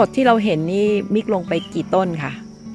มดที่เราเห็นนี่มิกลงไปกี่ต้นคะ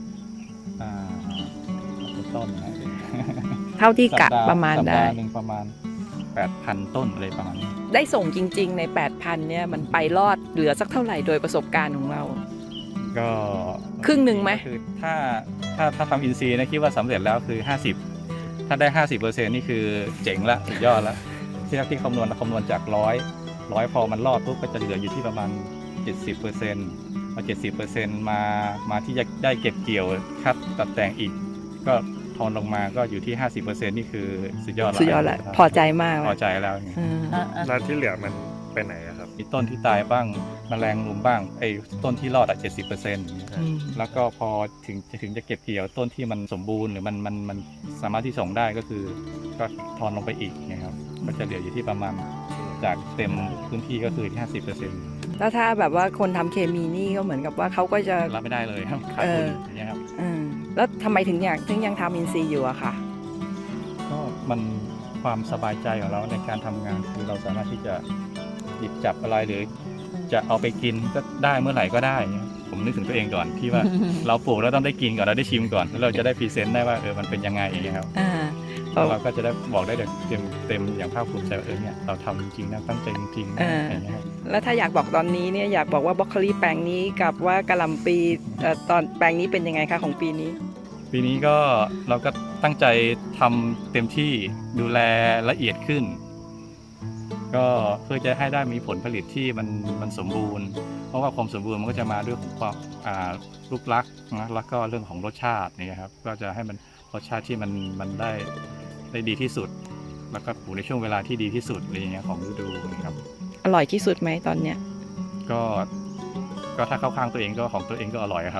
เป็นต้นนะเท่าที่กะประมาณได้สัปดาห์หนึ่งประมาณ 8,000 ต้นอะไรประมาณนี้ได้ส่งจริงๆใน 8,000 เนี่ยมันไปรอดเหลือสักเท่าไหร่โดยประสบการณ์ของเราก็ครึ่งหนึ่งไหมคือถ้าทำอินซีย์นะคิดว่าสำเร็จแล้วคือ 50ถ้าได้ 50%นี่คือเจ๋งละสุดยอดละที่คำนวณจาก100พอมันรอดปุ๊บก็จะเหลืออยู่ที่ประมาณ 70%พอ 70% มาที่จะได้เก็บเกี่ยวคัดตัดแต่งอีกก็ทอนลงมาก็อยู่ที่ 50% นี่คือสุดยอดแล้วสุดยอดแล้วพอใจมากพอใจแล้วแล้วที่เหลือมันไปไหนอะครับมีต้นที่ตายบ้างแมลงรุมบ้างไอ้ต้นที่รอด70%แล้วก็พอถึงจะเก็บเกี่ยวต้นที่มันสมบูรณ์หรือมันสามารถที่ส่งได้ก็คือก็ทอนลงไปอีกนะครับก็จะเหลืออยู่ที่ประมาณจากเต็มพื้นที่ก็คือที่ 50% แล้วถ้าแบบว่าคนทำเคมีนี่ก็เหมือนกับว่าเขาก็จะรับไม่ได้เลยครับขาดทุนอย่างเงี้ยครับแล้วทำไมถึงยังทำอินซีย์อยู่อะคะก็มันความสบายใจของเราในการทำงานคือเราสามารถที่จะหยิบจับอะไรหรือจะเอาไปกินก็ได้เมื่อไหร่ก็ได้ผมนึกถึงตัวเองก่อนที่ว่า เราปลูกแล้วต้องได้กินก่อนเราได้ชิมก่อนแล้วเราจะได้พรีเซนต์ได้ว่ามันเป็นยังไงอย่างเงี้ยครับแล้วเราก็จะได้บอกได้เต็มอย่างภาคภูมิใจว่าเนี่ยเราทำจริงๆนะตั้งใจจริงๆนะอย่างเงี้ยครับแล้วถ้าอยากบอกตอนนี้เนี่ยอยากบอกว่าบรอกโคลีแปลงนี้กับว่ากะหล่ำปีตอนแปลงนี้เป็นยังไงคะของปีนี้ปีนี้ก็เราก็ตั้งใจทำเต็มที่ดูแลละเอียดขึ้นก็เพื่อจะให้ได้มีผลผลิตที่มันสมบูรณ์เพราะว่าความสมบูรณ์มันก็จะมาด้วยของความรูปลักษณ์นะแล้วก็เรื่องของรสชาตินี่ครับก็จะให้มันรสชาติที่มันได้ดีที่สุดแล้วก็ปลูกในช่วงเวลาที่ดีที่สุดอะไรอย่างเงี้ยของฤดูนะครับอร่อยที่สุดไหมตอนเนี้ยก็ถ้าเข้าข้างตัวเองก็ของตัวเองก็อร่อยครับ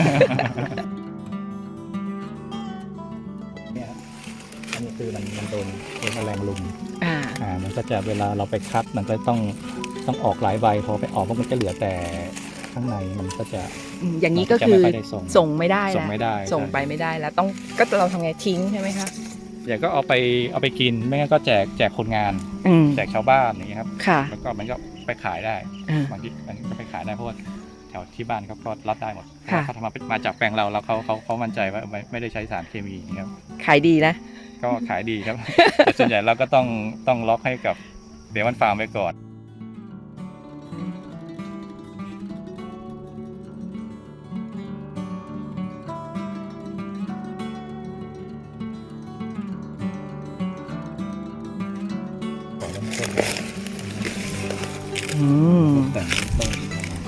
เนี่ยอันนี้คือมันโดนแมลงรุมมันก็จะเวลาเราไปคัดมันก็ต้องออกหลายใบพอไปออกเพราะมันจะเหลือแต่ข้างในมันก็จะอย่างนี้ก็คือส่งไม่ได้แล้วส่งไปไม่ได้แล้วก็เราทำไงทิ้งใช่ไหมคะอย่างก็เอาไปกินไม่งั้นก็แจกคนงานแจกชาวบ้านอย่างเงี้ยครับแล้วก็มันก็ไปขายได้บางทีมันก็ไปขายได้เพราะว่าแถวที่บ้านเขาก็รับได้หมดเขาทำมาจากแปลงเราแล้วเขามั่นใจว่าไม่ได้ใช้สารเคมีครับขายดีนะก็ขายดีครับ แต่ส่วนใหญ่เราก็ต้องล็อกให้กับเดมอนฟาร์มไว้ก่อนแต่งต้น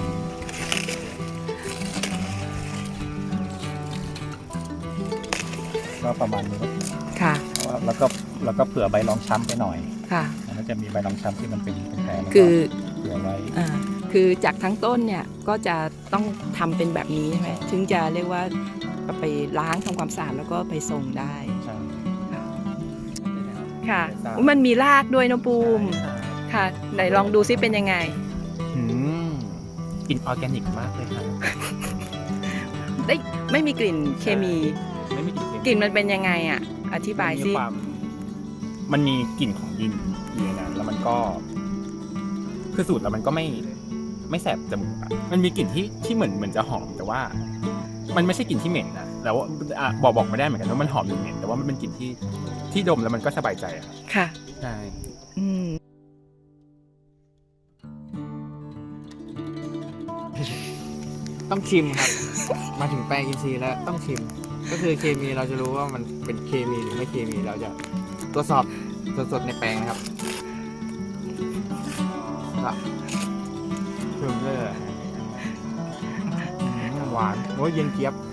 ก็ประมาณนี้ค่ะแล้วก็เผื่อใบรองช้ำไปหน่อยค่ะแล้วจะมีใบรองช้ำที่มันเป็นแผลคือเผื่อไว้คือจากทั้งต้นเนี่ยก็จะต้องทำเป็นแบบนี้ใช่ไหมถึงจะเรียกว่าไปล้างทำความสะอาดแล้วก็ไปส่งได้ใช่ค่ะมันมีรากด้วยนะปูมค่ะไหนลองดูซิเป็นยังไงกลิ่นออร์แกนิกมากเลยครับไม่มีกลิ่นเคมีไม่มีกลิ่นมันเป็นยังไงอ่ะอธิบายซิมันมีกลิ่นของดินอยู่ในนั้นแล้วมันก็คือสูตรแล้วมันก็ไม่แสบจมูกมันมีกลิ่นที่เหมือนจะหอมแต่ว่ามันไม่ใช่กลิ่นที่เหม็นนะแล้วบอกไม่ได้เหมือนกันว่ามันหอมหรือเหม็นแต่ว่ามันเป็นกลิ่นที่ดมแล้วมันก็สบายใจค่ะใช่ต้องชิมครับมาถึงแปลงอินทรีย์แล้วต้องชิมก็คือเคมีเราจะรู้ว่ามันเป็นเคมีหรือไม่เคมีเราจะตรวจสอบสดๆในแปลงนะครับชิมเลยหวานโอ้ยเย็นเจี๊ยบ